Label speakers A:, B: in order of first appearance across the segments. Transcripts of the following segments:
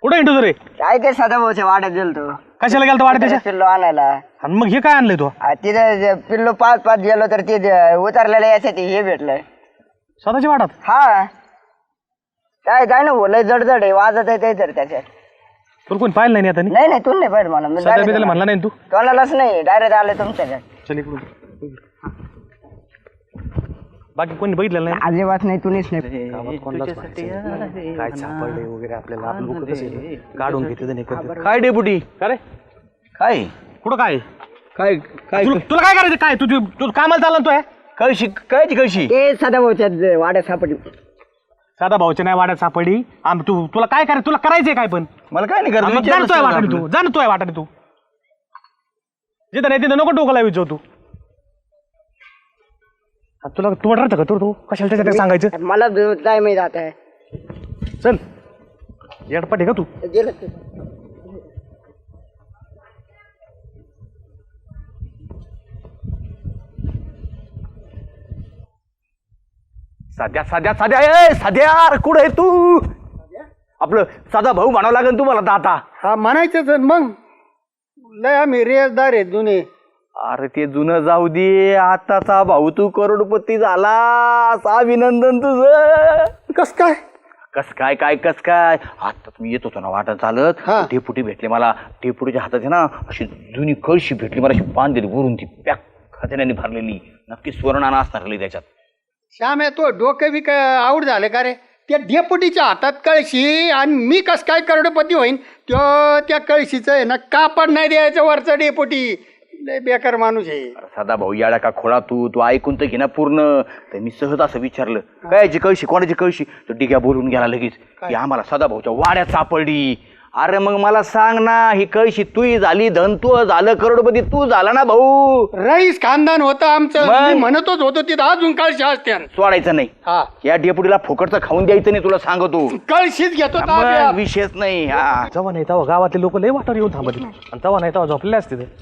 A: कुठे इंटू रे?
B: काय ते सदाभाऊच्या वाड्यात गेलतो.
A: कशाला गेलतो वाड्यात त्याच्या?
B: पिल्लो आणायला.
A: आणि मग हे काय आणलंय तू?
B: तिथे पिल्लो 5-5 गेलो तर ते उतरलेलं यासाठी हे भेटलंय.
A: स्वतःच्या वाड्यात?
B: हा काय काय ना बोलय जडजड आहे वाजत आहे ते तर त्याच्यात.
A: तुला कोणी पाहिलं नाही आता?
B: नाही तू नाही पाहिजे मला
A: सध्या म्हणला नाही तू?
B: कोणालाच नाही डायरेक्ट आले तुमच्याकडे.
A: चल इकडून. बाकी कोणी बघितलेलं नाही?
B: अजिबात नाही तुम्हीच नाही.
A: काय सापडले वगैरे आपल्याला आपण लोक कसे काढून घेते.
C: काय डेपुटी?
A: काय
C: काय
A: कुठं काय
C: काय काय
A: तुला काय करायचं? काय तू कामाला चालला तू?
C: कळशी कायची कळशी?
B: ते सदाभाऊच्या वाड्यात सापडली.
A: साधा भाऊच्या नाही वाड्यात सापडी. तुला काय करायचं? तुला करायचंय काय? पण
C: मला काय नाही
A: जाणतोय वाटाने तू, जाणतोय वाटाने तू. जिथं नाही तिथं नको डोकं लावायचं तू. तुला तू वाटतं का तू कशाला त्याच्यात सांगायचं?
B: मला काय माहित आता.
A: चल येडपट आहे का तू?
C: साध्या कुठं आहे तू? आपलं साधा भाऊ म्हणावं लागेल तुम्हाला दाता.
D: हा म्हणायचंच मग. लय आम्ही रेसदार आहे जुने.
C: अरे ते जुनं जाऊ दे, आताचा भाऊ तू करोडपती झाला. अभिनंदन तुझं.
D: कस काय?
C: कस काय आता तुम्ही येत होतो ना वाटत चालत,
D: हा.
C: डेपुटी भेटले मला. डेपुटीच्या हातात आहे ना अशी जुनी कळशी भेटली मला, अशी बांधलेली वरून ती पॅक खतऱ्याने भरलेली. नक्की सुवर्णाना असणार त्याच्यात.
D: श्याम आहे तो डोकं बी काय आवड झालं का रे? त्या डेपुटीच्या हातात कळशी आणि मी कस काय करोडपती होईन? त्या कळशीचं आहे ना कापड नाही द्यायचं वरचं डेपुटी. लय बेकार माणूस आहे.
C: साधा भाऊ याडा का खोळा तू ऐकून तर घे ना पूर्ण. तर मी सहज असं विचारलं कायची कळशी, कोणाची कळशी? तर डिग्या बोलून गेला लगेच की आम्हाला सदा भाऊच्या वाड्यात सापडली. अरे मग मला सांग ना, ही कळशी तूही झाली धन, तू झालं करोडपती, तू झाला ना भाऊ.
D: रईस खानदान होतं आमचं. मी म्हणतच होतो तिथं अजून कळशी असते.
C: सोडायचं नाही.
D: हा
C: या डेपुटीला फुकटचं खाऊन द्यायचं नाही, तुला सांगतो.
D: कळशीच घेतो
C: मग विषयच नाही. हा
A: जेव्हा नाही तेव्हा गावातले लोक लय वाटावर येऊन थांबत आणि तेव्हा नाही तेव्हा झोपलेले असते ते.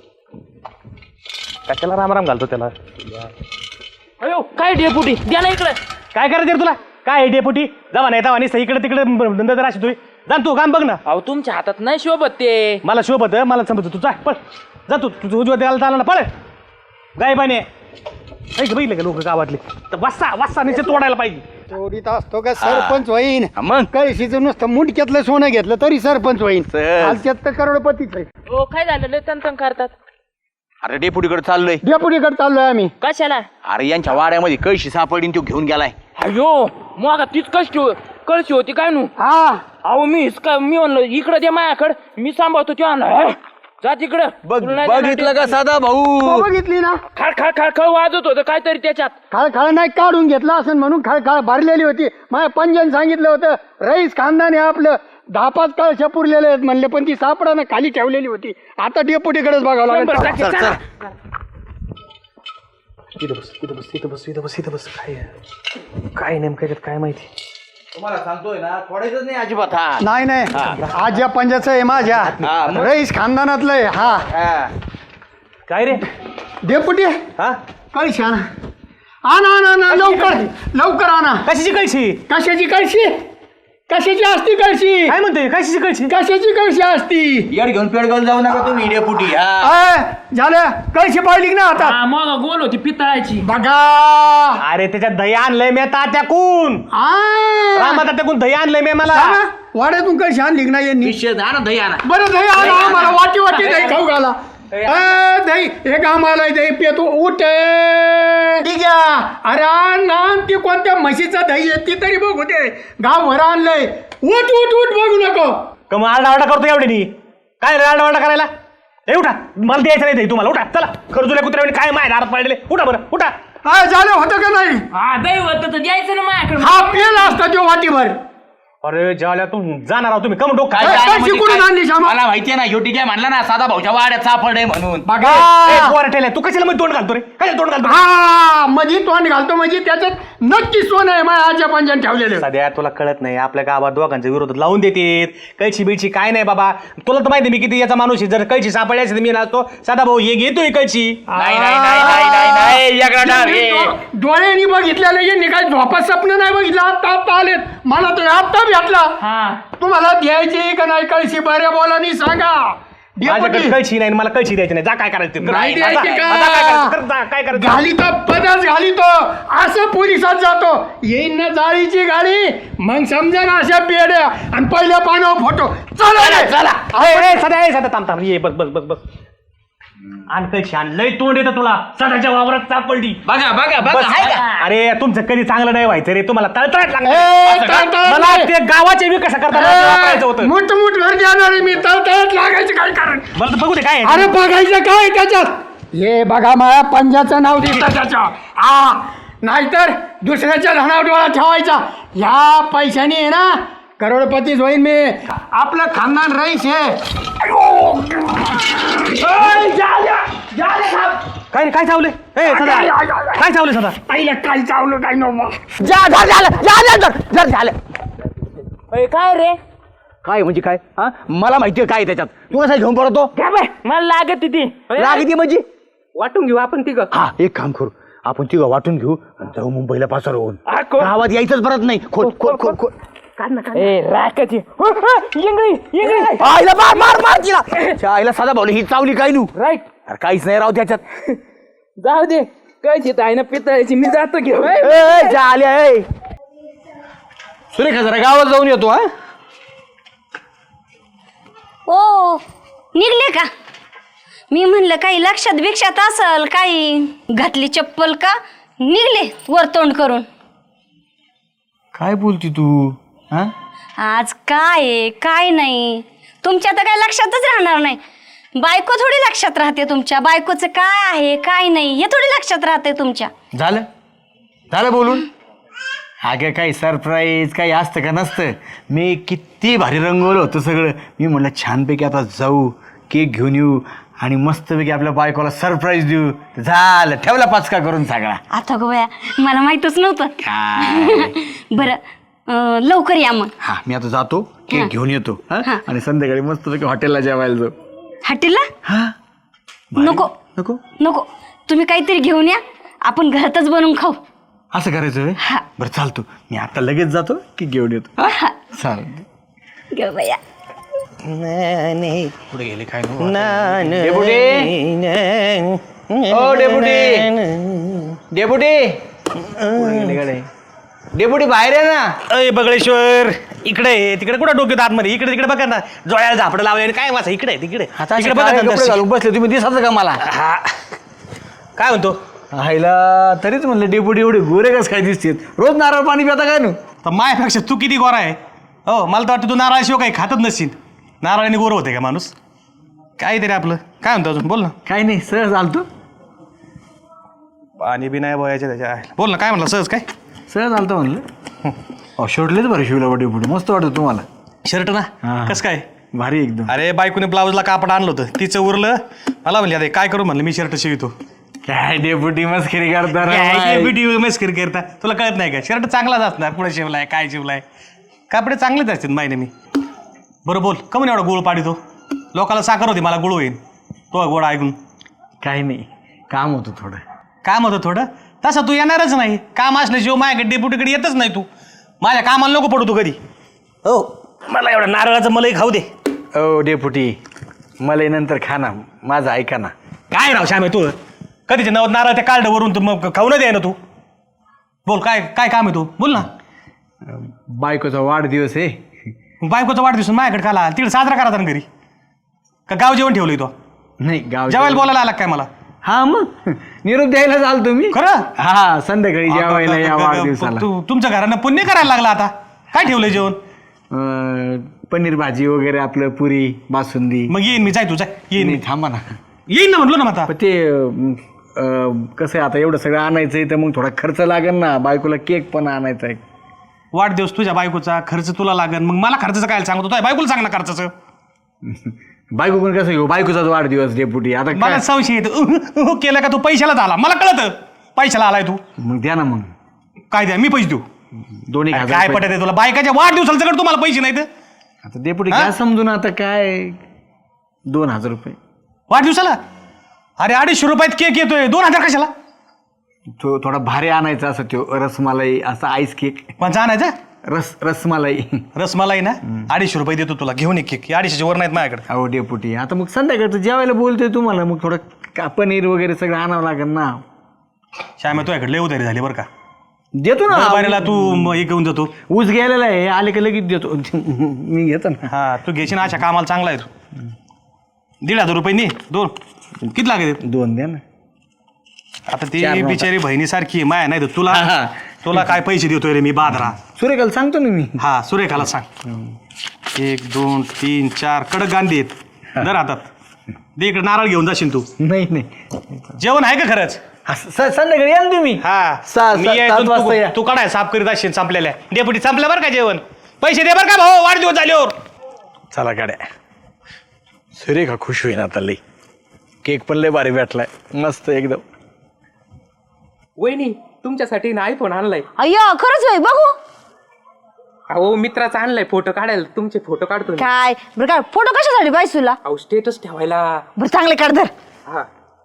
A: कशाला रामराम घालतो त्याला?
E: अयो काय डेपुटी द्या ना इकडे.
A: काय करायचं रे तुला? काय डेपुटी जेव्हा नाही तेव्हा नाही इकडे तिकडे धंदा तर अशी तू जाण. तू काम बघ ना.
E: अहो तुमच्या हातात नाही शोभत ते.
A: मला शोभत मला समजत. तू जा पळ, जा तू उजव्या द्यायला चालला ना, पळ गायबाने. बघितलं का लोक गावातले तर वासा निश्चित तोडायला पाहिजे.
D: चोरीत असतो का सरपंच होईन?
C: मग
D: कळशीचं नुसतं मुंडक्यातलं सोनं घेतलं तरी सरपंच होईन. हालच्यात तर करोडपतीच आहे.
E: हो काय झालं लय तंतन करतात.
C: अरे डेपुटीकडे चाललोय.
D: डेपुटीकडे चाललोय आम्ही.
E: कशाला?
C: अरे यांच्या वाड्यामध्ये कळशी सापडली, तो घेऊन गेलाय.
E: अयो मग तीच कळशी होती काय नू?
D: हा
E: अहो मी म्हणलो इकडे दे माझ्याकडे, मी सांभाळतो ते आणलं. जा तिकडं.
C: बघितलं का साधा भाऊ?
D: बघितली ना,
E: खळ खळ खळ खळ वाजत होतं काहीतरी त्याच्यात.
D: खळखळ नाही काढून घेतला असं म्हणून खळखळ भरलेली होती. माझ्या पंजन सांगितलं होतं रईस खानदान आहे आपलं, 10-5 कळशा पुरलेले आहेत म्हणले, पण ती सापडा ना खाली ठेवलेली होती. आता डेपुटीकडेच बघावं लागेल.
A: काय नेमकं काय माहिती?
C: तुम्हाला सांगतोय ना, थोडायच नाही अजिबात. हा
D: नाही आज या पंजाचं आहे माझ्या रईस खानदानातलं आहे. हा
A: काय रे
D: डेपुटी
A: हा
D: कळशी आणा लवकर आणा.
A: कशाची कळशी?
D: कशाची कळशी? कशाची असती कळशी?
A: काय म्हणतोय कशाची कळशी?
D: कशाची कळशी असती?
C: येड घेऊन पेड घेऊन जाऊ नका तुम्ही डेपुटी.
D: झालं कळशी पाहिली ना आता?
E: हा मग गोल होती पितळाची.
D: बघा
A: अरे त्याच्यात दही आणलंय मी तात्याकून. रामा तात्याकून दही आणलंय मी. मला
D: वाड्यातून कळशी आणली ना यांनी?
C: दही आणा.
D: बरं दही आणा आम्हाला. वाटी दही खाऊ घाला. दही एक आम्हाला दही पितो. उठ ठीक आहे. अरे आण ती कोणत्या म्हशीचा दही आहे ती तरी बघू दे. गाव भर आणलंय. उठ बघू नको.
A: का मग आरडाओरडा करतो एवढी? काय रे आरडाओरडा करायला? हे उठा, मला द्यायचं नाही दही तुम्हाला. उठा चला. खरजुल्या कुत्र्याने काय माय दारात पडलेले. उठा बरं उठा.
D: झालं होतं का नाही?
E: हा दही होतं तर द्यायचं ना माझ्याकडे.
D: हा पेला असता तो वाटीभर.
A: अरे ज्याला तू जाणार आहोत तुम्ही कम डोक
C: काय
A: काय
C: काय
D: कळशी
C: म्हणजे
D: कुठून
C: काय?
D: आणली श्यामा?
C: मला माहितीये ना, ह्यो ठीक आहे म्हणला ना साधा भाऊच्या वाड्यात सापडे म्हणून.
D: बघा
A: तू कशाला मध्ये तोंड घालतो रे? काय तोंड घालतो?
D: हा मध्ये तोंड घालतो म्हणजे त्याच्यात नक्की सोनं आहे. माझ्या आजच्या पंजान ठेवलेलं.
A: सध्या तुला कळत नाही, आपल्या गावात दोघांच्या विरोधात लावून देतात. कैची बिळची काय नाही बाबा. तुला तर माहिती मी किती याचा माणूस आहे. जर कैची सापडली असते मी नसतो साधा भाऊ हे घेतोय कैची.
D: डोळ्यांनी बघितलेलं यांनी काय झोपा स्वप्न नाही बघितलं. आता आलेत. मला तर आता भेटला
E: हा
D: तुम्हाला द्यायची का नाही कळशी बऱ्या बोलानी सांगा
A: माझ्याकडे
D: डेपुटी,
A: कळशी नाही मला कळशी द्यायची नाही जा काय करायचं ते कर.
D: नाही
A: आता-
D: द्यायची
A: आता काय करायचं? कर,
D: का
A: जा, काय करायचं
D: घालितो पदच घालितो असं पोलिसात जातो येईन ना जाळीची गाडी मग समजा ना अशा पेड्या आणि पहिल्या पानावर फोटो चला रे, चला
A: सध्या थांब थांब ये बस बस बस बस आण कळशी आण लय तोंड येतं तुला सदाच्या वावरात सापडली
B: बघा बघा
A: बस.
B: बघा हाय का
A: अरे तुमचं कधी चांगलं नाही व्हायचं रे तुम्हाला तळतळाट लागलं.
D: ए,
A: असं का?
D: तळतळाट
A: मला
D: नाही.
A: ते गावाचे बी कसं करता वापरायचं होतं
D: मोठ मोठ घर देणार आहे मी तळतळत लागायचं काय कारण
A: मला तर बघू दे काय आहे.
D: अरे बघायचं काय त्याच्यात हे बघा माझ्या पंजाचं नाव दिसतं त्याच्या हा नाहीतर दुसऱ्याच्या धनावर डोळा ठेवायचा या पैशाने आहे ना करोडपतीच होईन मी आपलं खानदान रईस आहे
A: काय काय चावले काय चावले सदा
D: आईला काय चावलं काय नव्हतं
E: अय, काय रे
C: काय म्हणजे काय हा मला माहितीये काय त्याच्यात तू कसा घेऊन पडतो
E: काय बाय मला लागत ती
C: लागते म्हणजे
E: वाटून घेऊ आपण तिघ
C: हा एक काम करू आपण तिघं वाटून घेऊ आणि जाऊ मुंबईला पासर होऊन
E: हा, कोण?
C: गावात यायचंच परत नाही खोल खोल खोल खोल
E: ए राकाची येंगळी येंगळी
C: आईला मार मार मार तिला त्या आईला साधा भाऊ ही चावली काय नू
E: राईट
C: अरे काहीच नाही राव त्याच्यात
E: जाऊ दे काय आहे ना पितळायची मी जातो घेऊ
C: आल्या सुरेखा जरा गावात जाऊन येतो हा
F: ओ निघले का मी म्हणलं काही लक्षात भिक्षात असल काही घातली चप्पल का निघले वर तोंड करून
C: काय बोलती तू हा
F: आज काय आहे काय नाही तुमच्या तर काय लक्षातच राहणार नाही बायको थोडी लक्षात राहते तुमच्या बायकोचं काय आहे काय नाही हे थोडी लक्षात राहते तुमच्या
G: झालं झालं बोलून अगं काही सरप्राईज काही असतं का नसतं मी किती भारी रंगवलं होतं सगळं मी म्हणलं छानपैकी आता जाऊ केक घेऊन येऊ आणि मस्तपैकी आपल्या बायकोला सरप्राईज देऊ झालं ठेवला पाचका करून सगळा
F: आता गोया मला माहीतच नव्हतं
G: काय
F: बरं लवकर या मग
G: हा मी आता जातो केक घेऊन येतो हा
F: हा.
G: आणि संध्याकाळी मस्तपैकी हॉटेलला जेवायला जाऊ
F: हॉटेलला
G: हा
F: नको
G: नको
F: नको तुम्ही काहीतरी घेऊन या आपण घरातच बनवून खाऊ
G: असं करायचं होय?
F: हा.
G: बरं चालतो मी आता लगेच जातो की घेऊन येतो
F: हा.
G: चालेल
F: घेऊ बया
A: पुढे गेले काय
C: ओ डेपुटी डेपुटी डेपुटी बाहेर आहे ना
A: अय बगळेश्वर इकडे आहे, तिकडे कुठं डोक्यात आतमध्ये इकडे तिकडे बघा ना जोळ्याला झापडं लावले आणि काय वाचा इकडे आहे, तिकडे तिकडे बघा ना
C: कपडे
A: दर्शन.
C: घालून बसले तुम्ही दिसायचं का मला
A: हा काय म्हणतो
G: आईला तरीच म्हणलं डेपुटी एवढे गोरे कस काय दिसतेत रोज नारळ पाणी पिता काय नू
A: तर मायापेक्षा तू किती गोरा आहे हो मला तर वाटतं तू नारळाशिवाय काही खातच नसशील नारळाने गोरं होते का माणूस काय तरी आपलं काय म्हणतो अजून बोल ना
G: काय नाही सहज आलतो
A: पाणी बी नाही बोयाचे त्याच्या बोल ना काय म्हणलं सहज काय
G: सहज आलतो म्हणलं शर्टलेच बरं शिवला डेपुटी मस्त वाटतं तुम्हाला
A: शर्ट ना
G: हा.
A: कसं काय
G: भारी एकदम
A: अरे बायकोने ब्लाऊजला कापड आणलं होतं तिचं उरलं मला म्हणली आता काय करू म्हणलं मी शर्ट शिवतो
G: काय डेपुटी मस्करी करता
A: मस्करी करता तुला कळत नाही का शर्ट चांगलाच असणार पुढे शिवलाय काय शिवलाय कापडे चांगलेच असतात माहिती मी बरं बोल कमून एवढा गुळ पाडितो लोकाला साखर होती मला गुळ होईल तो गोड ऐकून
G: काही नाही काम होतं थोडं
A: काम होतं थोडं तसं तू येणारच नाही काम असल्याशिवाय माझ्याकडे डेपुटीकडे येतच नाही तू माझ्या कामाला नको पडू तू कधी हो मला एवढं नारळाचं मलाही खाऊ दे
G: ओ डेपुटी मला नंतर खा ना माझं ऐका ना
A: काय राव श्यामे तू कधीचे नवत नारळ त्या कार्डवरून तू मग खाऊ न दे ना तू बोल काय काय काम आहे तू बोल ना
G: बायकोचा वाढदिवस आहे
A: बायकोचा वाढदिवस माझ्याकडे खाला तिकडे साजरा करायचा ना घरी का गाव जेवण ठेवलंय तो
G: नाही गाव
A: जेवायला बोलायला आला काय मला
G: हा मग निरोप द्यायला चाल तुम्ही
A: खरं
G: हा संध्याकाळी जेवायला या वाढदिवसाला
A: तुमच्या घरानं पुण्य करायला लागला आता काय ठेवलंय जेवण
G: पनीर भाजी वगैरे आपलं पुरी बासुंदी
A: मग येईन मी जाय तू जाय येईन मी
G: नाही, थांबा ना
A: येईन ना म्हटलो ना मग आता
G: पण ते कसं आहे आता एवढं सगळं आणायचंय तर मग थोडा खर्च लागेल ना बायकोला केक पण आणायचा आहे
A: वाढदिवस तुझ्या बायकोचा खर्च तुला लागन मग मला खर्चाचं काय सांगतो तुझ्या बायकोला सांग ना खर्चाचं
G: बायको पण कसं घेऊ बायकोचाच वाढदिवस डेपुटी आता
A: मला
G: काय
A: संशय येतो केलं का तू पैशालाच आला मला कळतं पैशाला आलाय तू
G: मग द्या ना मग
A: काय द्या मी पैसे देऊ
G: दोन्ही
A: अरे काय पटत आहे तुला बायकाच्या वाढदिवसाला सगळं तुम्हाला पैसे नाहीत
G: आता डेपुटी
A: हा?
G: काय समजून आता काय 2000 रुपये
A: वाढदिवसाला अरे 250 रुपयात केक येतोय 2000 कशाला
G: तो थोडा भारी आणायचा असं तो रसमलाई असा आईस केक
A: कोणचा आणायचा
G: रसमलाई.
A: रसमलाई ना 250 रुपये देतो तुला, घेऊन एक केक. 250 वर नाहीत माझ्याकडे.
G: अहो डेपुटी, आता मग संध्याकाळचं जेवायला बोलतोय तुम्हाला, मग थोडं पनीर वगैरे सगळं आणावं लागेल ना.
A: श्यामा तुझ्याकडे लय उधारी झाली बरं का.
G: देतो ना.
A: बारीला तू हे घेऊन जातो.
G: ऊस गेलेला आहे, आले की लगेच देतो. मी घेतो ना.
A: हा तू घ्यायची ना, अशा कामाला चांगला आहे तू. 1,500 रुपये नी 2 किती लागेल?
G: 2 द्या ना.
A: आता ती बिचारी बहिणीसारखी माया नाही तर तुला तुला काय पैसे देतोय रे मी बादरा.
G: सुरेखाला सांगतो ना मी.
A: हा सुरेखाला सांग. 1 2 3 4 कडक गांधी आहेत. दर हातात दे. इकडे नारळ घेऊन जाशील तू.
G: नाही
A: जेवण आहे का खरंच?
G: संध्याकाळी या ना तुम्ही.
A: हा मी यायचो,
G: 7 वाजता या.
A: तू काढाय साफ करीत असशील संपलेल्या. डेपुटी संपलं बरं का जेवण. पैसे दे बरं का भाऊ, वाढदिवस झाल्यावर.
G: चला गाड्या. सुरेखा खुश होईन आता लई. केक पण लय भारी भेटलाय, मस्त एकदम.
E: वहिनी तुमच्यासाठी ना आयफोन आणलाय.
F: अय्यो खरंच होय, बघू
E: अहो मित्राचा आणलाय, फोटो काढायला. तुमचे फोटो काढतो मी.
F: काय बरं. काय फोटो कशासाठी पाहिजे तुला?
E: अहो स्टेटस ठेवायला.
F: बरं चांगले काढ धर.
E: हा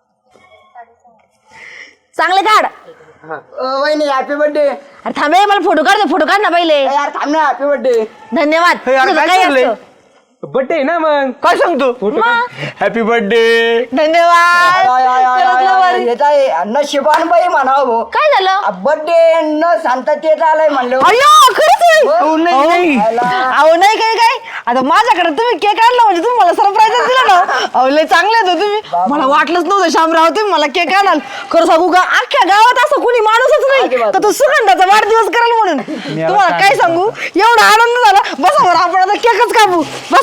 F: चांगले काढ.
B: वहिनी हॅपी बर्थडे.
F: अरे थांबे, मला फोटो काढ दे. फोटो काढ ना पहिले.
B: यार थांब ना, हॅपी बर्थडे.
F: धन्यवाद. तुझं काय असतं?
E: बर्थडे आहे ना मग.
G: काय सांगतो? Happy birthday.
F: धन्यवाद. खरंच लय भारी.
B: नशिबान बाई म्हणावं भाऊ.
F: काय झालं?
B: बर्थडे न सांगता तेच आलंय म्हणलं.
F: अय्यो खरंच होय.
B: हो,
F: अहो नाही काय आता माझ्याकडे तुम्ही केक आणला म्हणजे तुम्ही मला सरप्राईजच दिला ना. अहो लय चांगले होते तुम्ही. मला वाटलंच नव्हतं शामराव तुम्ही मला केक आणाल. खरं सांगू का, अख्ख्या गावात असं कुणी माणूसच नाही तर तो सुगंधाचा वाढदिवस कराल म्हणून. तुम्हाला काय सांगू, एवढा आनंद झाला. बसा बरं, आपण आता केकच कापू. बसाव.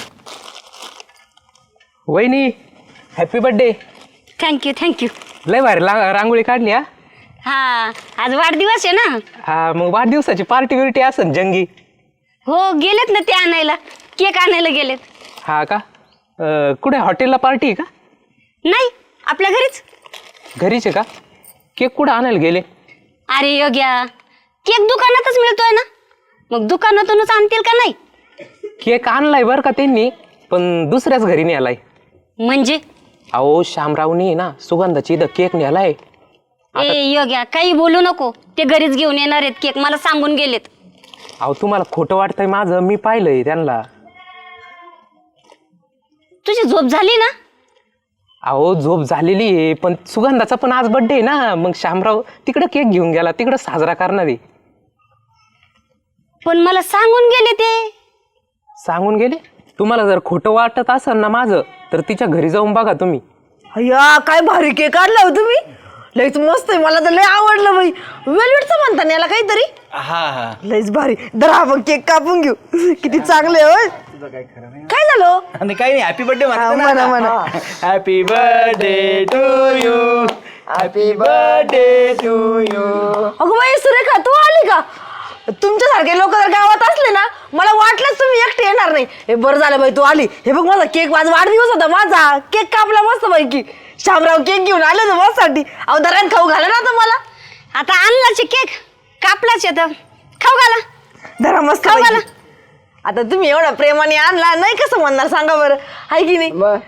E: वहिनी हॅपी बर्थडे.
F: थँक्यू.
E: लय भारी रांगोळी काढली. हा
F: हा आज वाढदिवस आहे ना.
E: हा मग वाढदिवसाची पार्टी बिर्टी असन जंगी.
F: हो गेलेत ना ते आणायला, केक आणायला गेलेत.
E: हा का कुठे हॉटेलला पार्टी आहे का?
F: नाही आपल्या घरीच.
E: घरीच आहे का? केक कुठं आणायला गेले?
F: अरे योग्या, केक दुकानातच मिळतोय ना, मग दुकानातूनच आणतील का नाही?
E: केक आणलाय बरं का त्यांनी, पण दुसऱ्याच घरी नेलाय.
F: म्हणजे
E: अहो शामरावनी ना सुगंधाची इथं केक नेलाय.
F: ए योग्या काही बोलू नको, ते घरीच घेऊन येणार आहेत केक, मला सांगून गेलेत.
E: अहो तुम्हाला खोटं वाटतंय माझं, मी पाहिलंय त्यांना.
F: तुझी झोप झाली ना?
E: अहो झोप झालेली आहे, पण सुगंधाचा पण आज बर्थडे आहे ना, मग शामराव तिकडं केक घेऊन गेला, तिकडं साजरा करणार आहे.
F: पण मला सांगून गेले ते.
E: सांगून गेले? तुम्हाला जर खोटं वाटत असेल ना माझं, तर तिच्या घरी जाऊन बघा तुम्ही.
F: अय्या काय भारी केक काढला हो तुम्ही, लयच मस्त आहे, मला तर लय आवडलं बाई. वेलवेटचं म्हणता ना याला काहीतरी.
G: हा
F: लयच भारी. दरा आपण केक कापून घेऊ. किती चांगले होय. काय झालं?
G: आणि काही नाही, हॅपी बर्थडे
F: म्हणा.
G: Happy birthday to you, happy birthday to you.
F: अगं बाई सुरेखा तू आली का? तुमच्यासारखे लोक जर गावात असले ना, मला वाटलंच तुम्ही एकटे येणार नाही. हे बरं झालं बाई तू आली. हे बघ माझा केक, माझा वाढदिवस होता, माझा केक कापला मस्त पैकी. शामराव केक घेऊन आले होते माझ्यासाठी. अहो दरात खाऊ घाला ना आता मला. आता आणलाच केक, कापलाच येतं, खाऊ घाला. धरा मस्त खाऊ घाला. आता तुम्ही एवढा प्रेमाने आणला नाही, कसं म्हणणार सांगा बरं, आहे की नाही?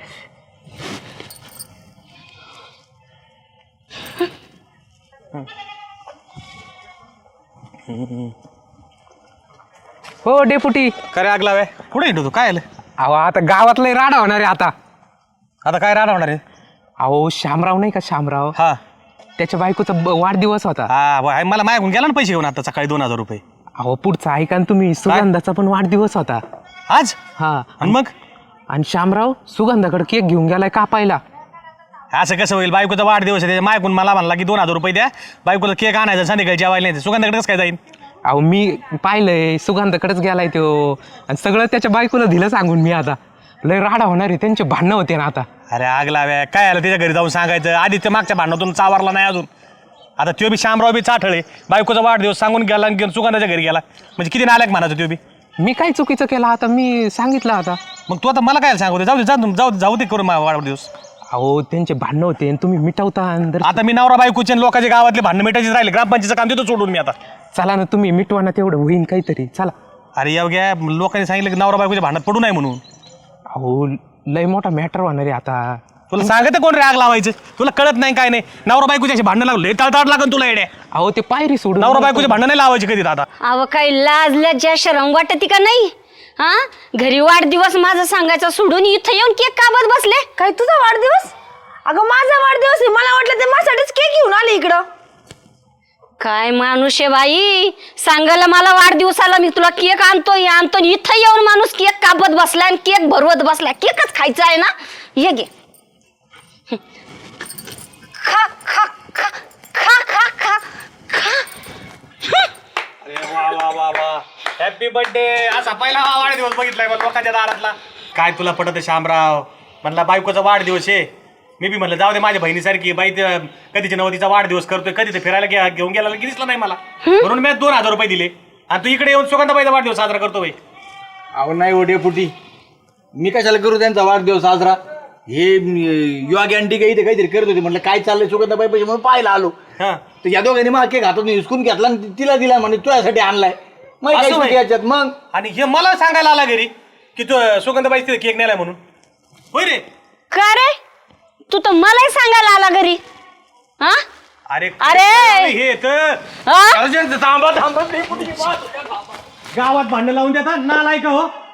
E: हो डेपुटी.
A: करे आग लावे कुठे येतो तू? काय आलं
E: अहो आता गावातलं राडा होणार आहे आता.
A: आता? काय राहणार होणार आहे?
E: अहो शामराव नाही का, शामराव
A: हा
E: त्याच्या बायकोचा वाढदिवस होता.
A: हा मला मागून गेला ना पैसे घेऊन आता सकाळी 2000 रुपये.
E: अहो पुढचा ऐका ना तुम्ही, सुगंधाचा पण वाढदिवस होता
A: आज.
E: हा
A: आणि मग
E: आणि शामराव सुगंधाकडे केक घेऊन गेलाय कापायला.
A: असं कसं होईल? बायकोचा वाढदिवस आहे, मागून मला म्हणला की 2000 रुपये द्या, बायकोला केक आणायचा, संध्याकाळी जेवायला नाही. सुगंधाकडे कसं काय जाईल?
E: अहो मी पाहिलंय, सुगंधाकडेच गेलाय तो, आणि सगळं त्याच्या बायकोला दिलं सांगून. मी आता लय राडा होणार आहे, त्यांचे भांडणं होते ना आता.
A: अरे आग लाव्या, काय आलं त्याच्या घरी जाऊन सांगायचं? आधी ते मागच्या भांडणातून चावरला नाही अजून. आता तो बी शामराव बी चाठळे, बायकोचा वाढदिवस सांगून गेला आणि सुगंधाच्या घरी गेला, म्हणजे किती नालायक म्हणायचं तो बी.
E: मी काय चुकीचं केलं आता? मी सांगितलं आता.
A: मग तू आता मला काय सांगू? जाऊ दे करून वाढदिवस.
E: अहो त्यांचे भांडणं होते आणि तुम्ही मिटवता.
A: आता मी नवरा बायकोचे आणि लोकांच्या गावातले भांडणं मिटायचे राहिले, ग्रामपंचायतीचं काम देतो सोडून मी आता.
E: चला ना तुम्ही मिटवा ना, तेवढं होईन काहीतरी. चला.
A: अरे एवढ्या लोकांनी सांगितलं की नवरा बायकोच्या भांडणात पडू नये म्हणून.
E: अहो लय मोठा मॅटर होणार आहे आता.
A: तुला सांगते कोण रे आग लावायचं? तुला कळत नाही काय नाही. नवरा बायकोची अशी भांडणं लागले तळतळ लागन तुला येड्या.
E: अहो ते पायरी सोडून
A: नवरा बायकोची भांडणं नाही लावायची कधी दादा.
H: अव काही लाजल्या ज्या शरम वाटती का नाही? हा, घरी वाढदिवस माझा सांगायचा सोडून इथं येऊन केक कापत बसले.
F: काय तुझा वाढदिवस? अगं माझा वाढदिवस आहे, मला वाटलं ते माझ्यासाठीच केक घेऊन आले इकडं.
H: काय माणूस आहे बाई, सांगायला मला वाढदिवसाला मी तुला केक आणतोय इथं येऊन माणूस केक कापत बसला आणि केक भरवत बसला. केकच खायचा आहे ना, ये घे. खा खा खा खा खा खा खा.
A: अरे वा वा वा वा, हॅपी बर्थडे. असा पहिला वाढदिवस बघितलाय मला लोकांच्या दारातला. काय तुला पटत शामराव? म्हणला बायकोचा वाढदिवस आहे. मी बी म्हणलं जाऊ दे, माझ्या बहिणीसारखी बाई कधीच्या नवतीचा वाढदिवस करतोय, कधी ते फिरायला घेऊन गेला की दिसला नाही मला, म्हणून मी 2000 रुपये दिले. आणि तू इकडे येऊन सुगंधाबाईचा वाढदिवस साजरा करतो बाई.
G: अहो नाही हो डेपुटी, मी कशाला करू त्यांचा वाढदिवस साजरा? हे युवा गॅन्टी काही काहीतरी करत होते, म्हटलं काय चाललंय सुगंधाबाई पैसे म्हणून पाहायला आलो.
A: हा,
G: तर या दोघांनी मग केक हातात हिसकून घेतला आणि तिला दिला, म्हणजे तुझ्यासाठी आणलाय. मग
A: असं
G: काय
A: होय?
G: याच्यात मग
A: आणि हे मला सांगायला आला घरी की तू सुगंधाबाई तिथे केक नेलाय म्हणून. होय रे?
H: का रे, तू तर मलाही सांगायला आला घरी. हा,
A: अरे
H: अरे!
A: हे तर
H: हा?
A: थांबा थांबा, गावात भांडण लावून देतात ना, नाही का हो?